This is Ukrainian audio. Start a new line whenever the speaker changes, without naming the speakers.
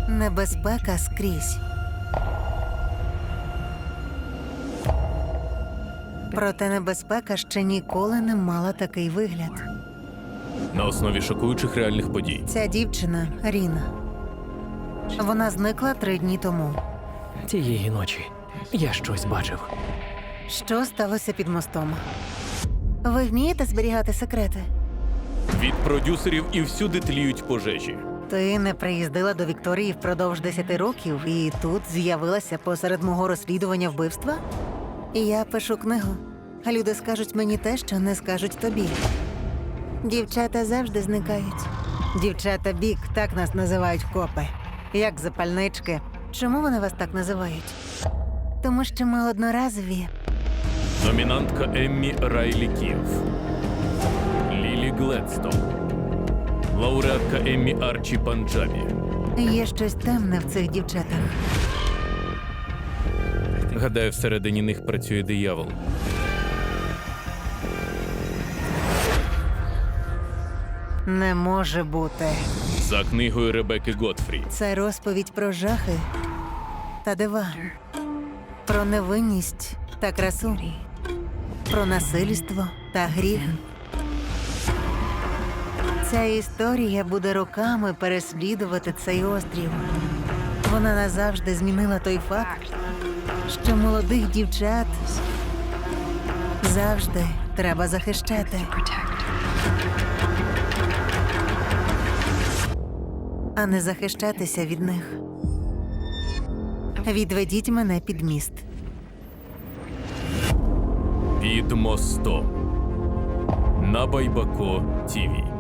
Небезпека скрізь. Проте небезпека ще ніколи не мала такий вигляд.
На основі шокуючих реальних подій.
Ця дівчина Ріна. Вона зникла 3 дні тому.
Тієї ночі я щось бачив.
Що сталося під мостом? Ви вмієте зберігати секрети?
Від продюсерів і всюди тліють пожежі.
Ти не приїздила до Вікторії впродовж 10 років і тут з'явилася посеред мого розслідування вбивства? І я пишу книгу. А люди скажуть мені те, що не скажуть тобі. Дівчата завжди зникають. Дівчата бік, так нас називають копи. Як запальнички. Чому вони вас так називають? Тому що ми одноразові.
Номінантка Еммі Райлі Кіф, Лілі Гледстон, лауреатка Еммі Арчі Панджабі.
Є щось темне в цих дівчатах.
Гадаю, всередині них працює диявол.
Не може бути.
За книгою Ребекки Готфрі.
Це розповідь про жахи та дива. Про невинність та красу. Про насильство та гріх. Ця історія буде роками переслідувати цей острів. Вона назавжди змінила той факт, що молодих дівчат завжди треба захищати. А не захищатися від них. Відведіть мене під міст.
Під мостом. На Байбако ТІВІ.